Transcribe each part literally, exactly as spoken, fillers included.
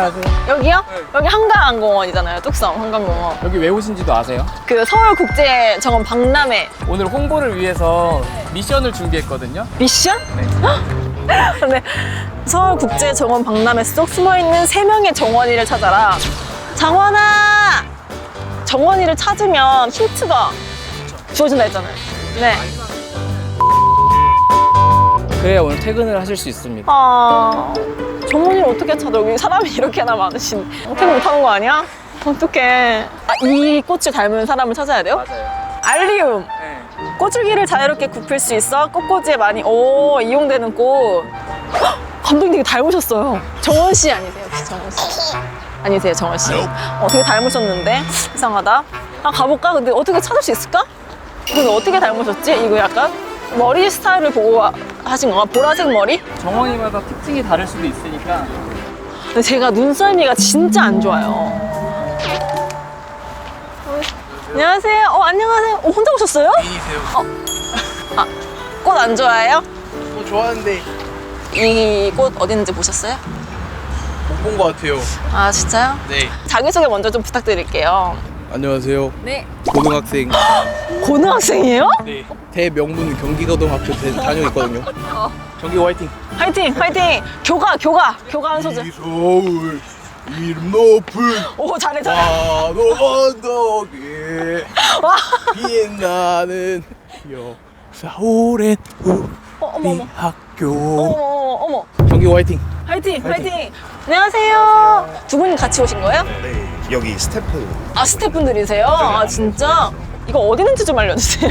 아세요? 여기요? 네. 여기 한강공원이잖아요. 뚝섬 한강공원. 여기 왜 오신지도 아세요? 그 서울국제정원 박람회 오늘 홍보를 위해서 미션을 준비했거든요. 미션? 네. 근데 서울국제정원 박람회 속 숨어있는 세 명의 정원이를 찾아라. 정원아! 정원이를 찾으면 힌트가 주어진다 했잖아요. 네. 그래야 오늘 퇴근을 하실 수 있습니다. 아, 정원이를 어떻게 찾아? 여기 사람이 이렇게나 많으신데. 어떻게 못하는 거 아니야? 어떡해. 아, 이 꽃을 닮은 사람을 찾아야 돼요? 맞아요. 알리움. 네. 꽃줄기를 자유롭게 굽힐 수 있어 꽃꽂이에 많이 오 이용되는 꽃. 헉, 감독님 되게 닮으셨어요. 정원 씨 아니세요? 혹시 정원 씨? 아니세요, 정원 씨? 어, 되게 닮으셨는데 이상하다. 아 가볼까? 근데 어떻게 찾을 수 있을까? 근데 어떻게 닮으셨지? 이거 약간 머리 스타일을 보고 하신 건가? 보라색 머리? 정원이마다 특징이 다를 수도 있으니까. 근데 제가 눈썰미가 진짜 안 좋아요. 어, 안녕하세요. 어, 안녕하세요. 어, 혼자 오셨어요? 미니세요. 어, 아, 꽃 안 좋아해요? 뭐 좋아하는데 이 꽃 어디 있는지 보셨어요? 못 본 것 같아요. 아, 진짜요? 네. 자기소개 먼저 좀 부탁드릴게요. 안녕하세요. 네. 고등학생. 고등학생이에요? 네. 대명문 경기고등학교 다니고 있거든요. 경기 화이팅. 화이팅! 화이팅! 교가! 교가! 교가 한 소절. 이 서울 이름 높은 오, 잘해, 잘해. 환호 언덕에 와. 빛나는 역사 오랜 어, 어머, 우리 어머. 학교. 어머, 어머, 어머. 경기 화이팅. 화이팅! 화이팅! 안녕하세요. 두 분이 같이 오신 거예요? 네, 여기 스태프. 아, 스태프분들이세요? 아, 진짜? 이거 어디 있는지 좀 알려주세요.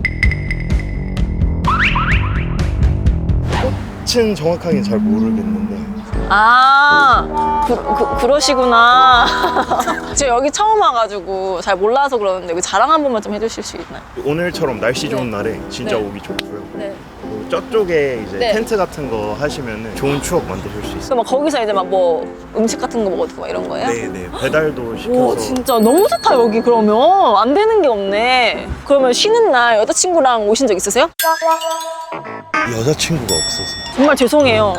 층 정확하게 잘 모르겠는데 아, 그, 그, 그러시구나. 제가 여기 처음 와가지고 잘 몰라서 그러는데 여기 자랑 한 번만 좀 해주실 수 있나요? 오늘처럼 날씨 좋은 네. 날에 진짜 네. 오기 좋고요. 네. 그리고 저쪽에 이제 네. 텐트 같은 거 하시면 좋은 추억 만드실 수 있어요. 그럼 막 거기서 이제 막 뭐 음식 같은 거 먹어도 막 이런 거예요? 네네, 배달도 시켜서. 오, 진짜 너무 좋다 여기. 그러면 안 되는 게 없네. 그러면 쉬는 날 여자친구랑 오신 적 있으세요? 여자친구가 없어서. 정말 죄송해요.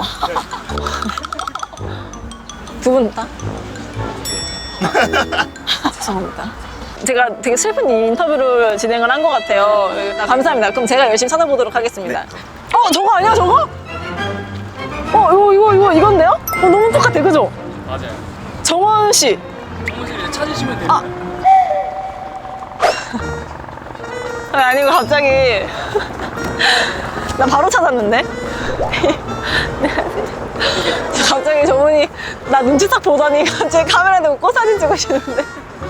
두 분 다? 죄송합니다. 제가 되게 슬픈 인터뷰를 진행을 한 것 같아요. 감사합니다. 그럼 제가 열심히 찾아보도록 하겠습니다. 어, 저거 아니야, 저거? 어, 이거, 이거, 이거, 이건데요? 어, 너무 똑같아, 그죠? 맞아요. 정원 씨. 정원씨를 찾으시면 됩니다. 아. 아니, 아니고 갑자기. 나 바로 찾았는데? 갑자기 저분이 나 눈치 딱 보더니 갑자기 카메라 대고 꽃 사진 찍으시는데.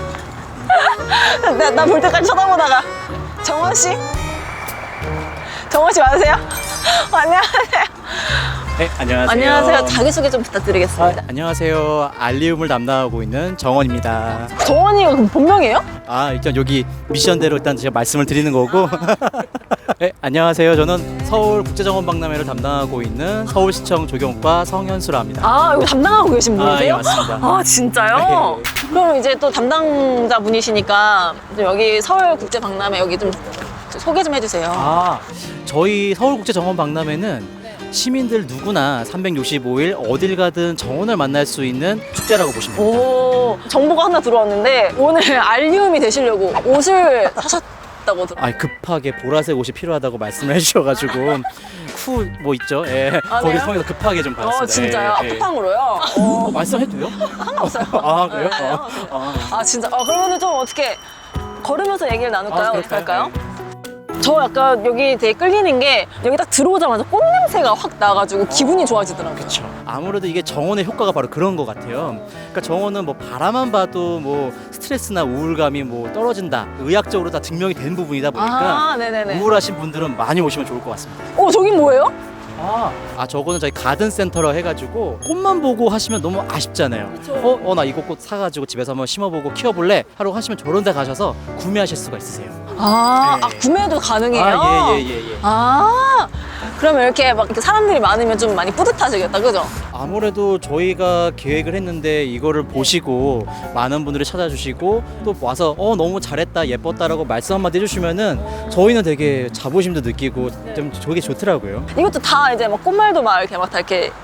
나, 나 볼 때까지 쳐다보다가 정원 씨? 정원 씨 맞으세요? 어, 안녕하세요. 네, 안녕하세요. 안녕하세요. 자기소개 좀 아, 부탁드리겠습니다. 안녕하세요. 알리움을 담당하고 있는 정원입니다. 정원이가 그럼 본명이에요? 아, 일단 여기 미션대로 일단 제가 말씀을 드리는 거고. 네, 안녕하세요. 저는 서울국제정원 박람회를 담당하고 있는 서울시청 조경과 성현수라 합니다. 아, 이거 담당하고 계신 아, 분이세요? 예, 맞습니다. 아, 진짜요? 그럼 이제 또 담당자 분이시니까 좀 여기 서울국제박람회 여기 좀 소개 좀 해주세요. 아, 저희 서울국제정원 박람회는 시민들 누구나 삼백육십오 일 어딜 가든 정원을 만날 수 있는 축제라고 보시면 됩니다. 오, 정보가 하나 들어왔는데 오늘 알리움이 되시려고 옷을 사셨다고 들어. 아, 급하게 보라색 옷이 필요하다고 말씀을 해주셔가지고 쿠 뭐 있죠? 예, 아, 거기 네요? 통해서 급하게 좀 받았습니다. 어, 진짜요? 예, 예. 쿠팡으로요? 어, 어, 말씀해도요? 상관없어요. 아, 그래요? 네, 어, 아. 아, 진짜. 아, 그러면 좀 어떻게 걸으면서 얘기를 나눌까요? 아, 어떻게 그럴까요? 할까요? 저 약간 여기 되게 끌리는 게 여기 딱 들어오자마자 꽃 냄새가 확 나가지고 기분이 좋아지더라고요. 그렇죠. 아무래도 이게 정원의 효과가 바로 그런 것 같아요. 그러니까 정원은 뭐 바라만 봐도 뭐 스트레스나 우울감이 뭐 떨어진다. 의학적으로 다 증명이 된 부분이다 보니까 아, 네네네. 우울하신 분들은 많이 오시면 좋을 것 같습니다. 어, 저긴 뭐예요? 아, 아 저거는 저희 가든 센터로 해가지고 꽃만 보고 하시면 너무 아쉽잖아요. 어, 어, 나 이거 꽃 사가지고 집에서 한번 심어보고 키워볼래? 하러 하시면 저런 데 가셔서 구매하실 수가 있으세요. 아, 네. 아 구매도 가능해요? 아, 예, 예, 예, 예. 아, 그러면 이렇게 막 이렇게 사람들이 많으면 좀 많이 뿌듯하시겠다, 그죠? 아무래도 저희가 계획을 했는데 이거를 보시고 많은 분들이 찾아주시고 또 와서 어 너무 잘했다 예뻤다라고 말씀 한마디 해주시면은 저희는 되게 자부심도 느끼고 좀 저게 좋더라고요. 이것도 다 이제 막 꽃말도 막 이렇게 막 다 이렇게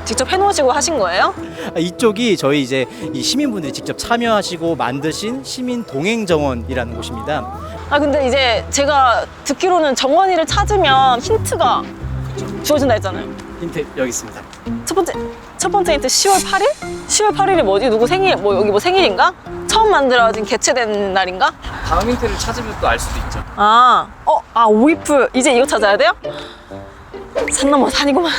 직접 해놓으시고 하신 거예요? 아, 이쪽이 저희 이제 이 시민분들이 직접 참여하시고 만드신 시민 동행 정원이라는 곳입니다. 아 근데 이제 제가 듣기로는 정원이를 찾으면 힌트가 주어진다 했잖아요. 힌트 여기 있습니다. 첫 번째 첫 번째 힌트 시월 팔일? 시월 팔일이 뭐지? 누구 생일? 뭐 여기 뭐 생일인가? 처음 만들어진 개최된 날인가? 다음 힌트를 찾으면 또 알 수도 있죠. 아, 어, 아 오이프 이제 이거 찾아야 돼요? 산 넘어 산이구만.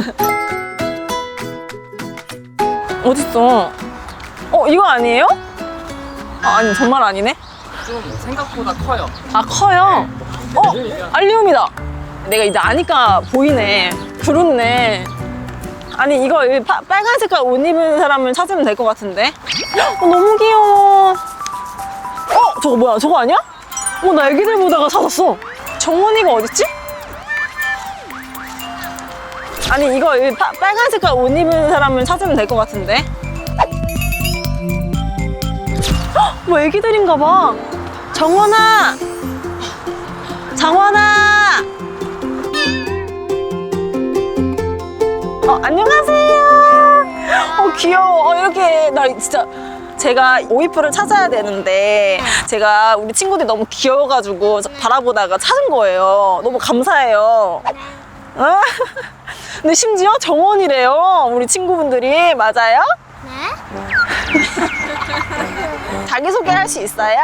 어딨어? 어 이거 아니에요? 아, 아니 정말 아니네. 좀 생각보다 커요. 아 커요. 어 알리움이다. 내가 이제 아니까 보이네. 그렇네. 아니 이거 이 파, 빨간 색깔 옷 입은 사람을 찾으면 될 것 같은데. 어, 너무 귀여워. 어 저거 뭐야? 저거 아니야? 어 나 애기들 보다가 찾았어. 정원이가 어딨지? 아니 이거 이 파, 빨간 색깔 옷 입은 사람을 찾으면 될 것 같은데. 헉, 뭐 애기들인가 봐. 정원아! 정원아! 어, 안녕하세요. 어, 귀여워. 어, 이렇게, 나 진짜, 제가 오이프를 찾아야 되는데, 제가 우리 친구들이 너무 귀여워가지고 바라보다가 찾은 거예요. 너무 감사해요. 아, 근데 심지어 정원이래요. 우리 친구분들이. 맞아요? 네? 자기소개 할 수 있어요?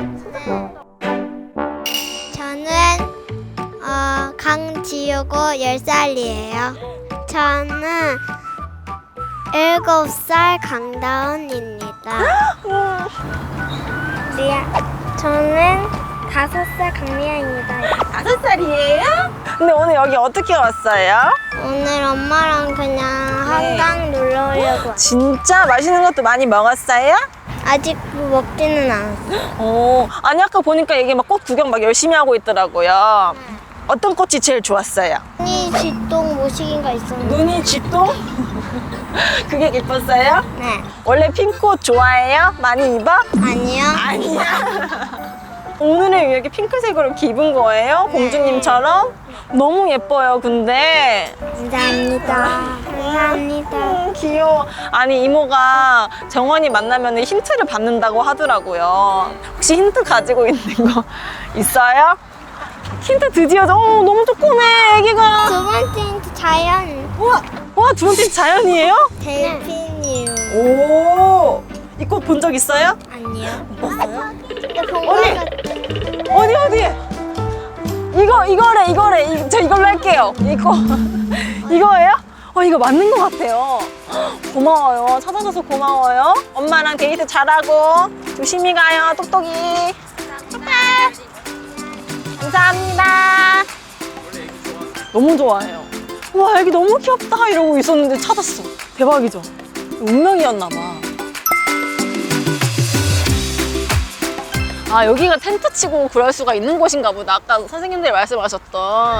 저는 어, 강지우고 열 살이에요. 저는 일곱 살 강다운입니다. 리아, 저는 다섯 살 강미아입니다. 다섯 살이에요? 근데 오늘 여기 어떻게 왔어요? 오늘 엄마랑 그냥 한강 놀러 오려고 왔어요. 진짜 맛있는 것도 많이 먹었어요? 아직 먹지는 않았어요. 어, 아니 아까 보니까 이게 막 꽃 구경 막 열심히 하고 있더라고요. 어떤 꽃이 제일 좋았어요? 언니 쥐똥 모시기가 있었는데. 눈이 쥐똥? 그게 예뻤어요? 네. 원래 핑크옷 좋아해요? 많이 입어? 아니요. 아니야. 오늘은 이렇게 핑크색으로 이렇게 입은 거예요? 공주님처럼? 너무 예뻐요, 근데. 감사합니다. 감사합니다. 음, 귀여워. 아니, 이모가 정원이 만나면 힌트를 받는다고 하더라고요. 혹시 힌트 가지고 있는 거 있어요? 힌트 드디어, 어, 너무 조그매, 애기가. 두 번째 힌트 자연. 우와, 와, 두 번째 자연이에요? 델핀이요. 오, 이 꽃 본 적 있어요? 아니요. 봤어요? 근데 본 어디? 거 어디, 어디? 이거, 이거래, 이거래. 이, 저 이걸로 할게요. 이거. 이거예요? 어, 이거 맞는 것 같아요. 고마워요. 찾아줘서 고마워요. 엄마랑 데이트 잘하고 조심히 가요, 똑똑이. 축하. 감사합니다. 너무 좋아해요. 와, 애기 너무 귀엽다 이러고 있었는데 찾았어. 대박이죠? 운명이었나 봐. 아, 여기가 텐트 치고 그럴 수가 있는 곳인가 보다. 아까 선생님들이 말씀하셨던.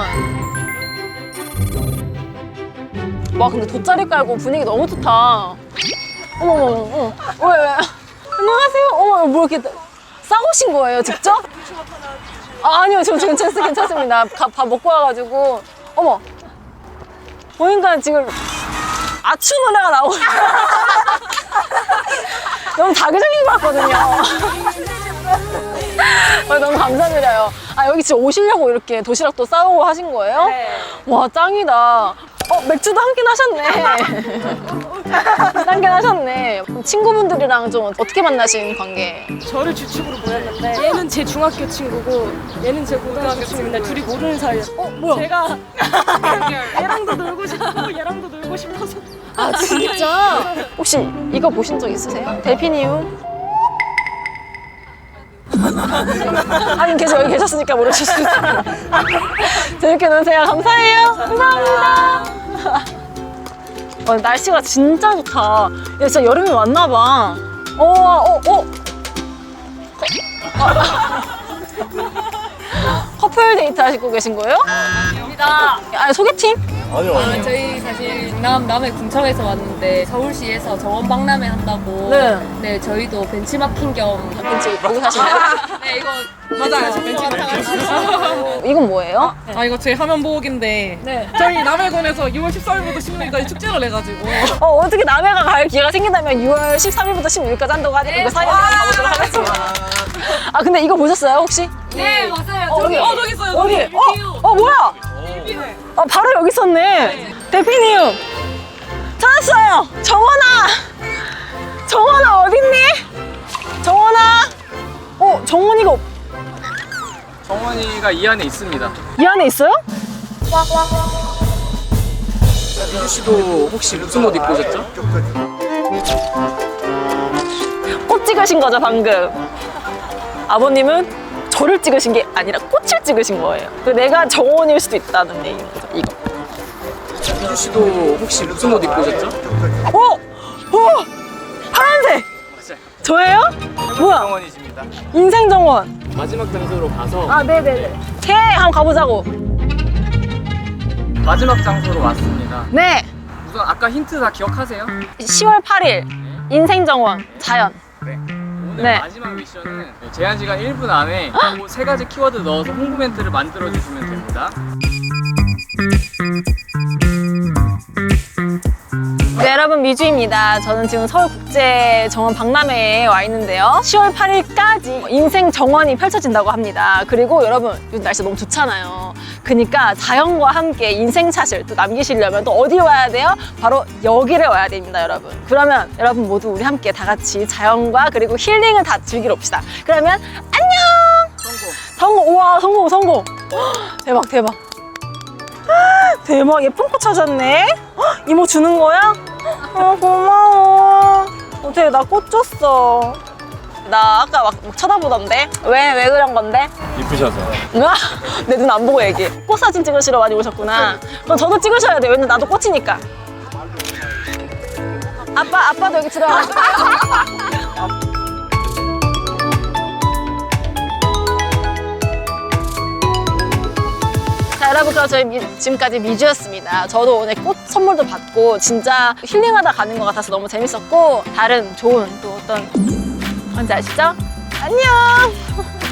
와, 근데 돗자리 깔고 분위기 너무 좋다. 어머머머, 어머. 왜, 왜? 안녕하세요. 어머, 뭐 이렇게 싸우신 거예요, 직접? 아, 아니요, 저 괜찮습니다. 괜찮습니다. 가- 밥 먹고 와가지고. 어머. 보니까 지금 아추 노래가 나오고. 너무 자극적인 것 같거든요. 아, 너무 감사드려요. 아, 여기 진짜 오시려고 이렇게 도시락도 싸우고 하신 거예요? 네. 와, 짱이다. 어, 맥주도 한 캔 하셨네. 한 캔 하셨네. 친구분들이랑 좀 어떻게 만나신 관계? 저를 주축으로 모였는데 얘는 제 중학교 친구고 얘는 제 고등학교 친구인데 둘이 모르는 사이였어요. 어, 뭐야? 제가 얘랑도 놀고 싶고 얘랑도 놀고 싶어서 아, 진짜? 혹시 이거 보신 적 있으세요? 델피니움? 아니, 계속 여기 계셨으니까 모르실 수 있어요. 재밌게 노세요. 감사해요. 감사합니다. 어, 날씨가 진짜 좋다. 야, 진짜 여름이 왔나 봐. 어, 어, 어. 커플 데이트 하시고 계신 거예요? 아닙니다. 아니, 소개팅? 아니요, 아, 아니요. 저희 사실 남 남해 궁청에서 왔는데 서울시에서 정원 박람회 한다고. 네. 네, 저희도 벤치마킹 겸. 벤치 보고 사시나요? 네, 이거 맞아요, 저 벤치 이건 뭐예요? 아 이거 제 화면 보호기인데 네. 저희 남해군에서 유월 십사일부터 십육일까지 축제를 해가지고 어, 어떻게 남해가 갈 기회가 생긴다면 유월 십삼일부터 십육일까지 한다고 하니까 이거 사이에 가보도록 하겠습니다. 아, 근데 이거 보셨어요, 혹시? 네, 맞아요. 어, 저기 여기. 어 저기 있어요. 어디? 저기. 어, 어, 뭐야? 어, 바로 여기 있었네. 대피님, 찾았어요. 정원아, 정원아 어딨니? 정원아. 어, 정원이가 없- 정원이가 이 안에 있습니다. 이 안에 있어요? 미주 씨도 혹시 무슨 옷 입고 오셨죠? 꽃 찍으신 거죠, 방금? 아버님은 저를 찍으신 게 아니라 꽃을 찍으신 거예요. 그 내가 정원일 수도 있다는 얘기인 거죠, 이거. 미주 씨도 혹시 무슨 옷 입고 오셨죠? 어? 어? 파란색! 맞아요. 저예요? 뭐야? 정원이십니다. 인생 정원. 마지막 장소로 가서 아, 네네네. 해! 한번 가보자고. 마지막 장소로 왔습니다. 네. 우선 아까 힌트 다 기억하세요? 시월 팔일 인생 정원 자연. 네. 오늘 네. 마지막 미션은 제한 시간 일 분 안에 그 세 가지 키워드 넣어서 홍보 멘트를 만들어 주시면 됩니다. 네, 여러분, 미주입니다. 저는 지금 서울국제정원 박람회에 와 있는데요. 시월 팔일까지 인생 정원이 펼쳐진다고 합니다. 그리고 여러분, 요즘 날씨 너무 좋잖아요. 그러니까 자연과 함께 인생샷을 또 남기시려면 또 어디 와야 돼요? 바로 여기를 와야 됩니다, 여러분. 그러면 여러분 모두 우리 함께 다 같이 자연과 그리고 힐링을 다 즐기러 옵시다. 그러면 안녕! 성공. 성공! 우와, 성공, 성공! 헉, 대박, 대박. 대박, 예쁜 꽃 찾았네. 헉, 이모 주는 거야? 어, 고마워. 어떻게 나 꽃 줬어. 나 아까 막, 막 쳐다보던데? 왜, 왜 그런 건데? 이쁘셔서. 내 눈 안 보고 얘기해. 꽃 사진 찍으시러 많이 오셨구나. 그럼 저도 찍으셔야 돼. 왜냐면 나도 꽃이니까. 아빠, 아빠도 여기 들어가. 자, 여러분, 그럼 저희 미, 지금까지 미주였습니다. 저도 오늘 꽃 선물도 받고 진짜 힐링하다 가는 것 같아서 너무 재밌었고 다른 좋은 또 어떤 뭔지 아시죠? 안녕!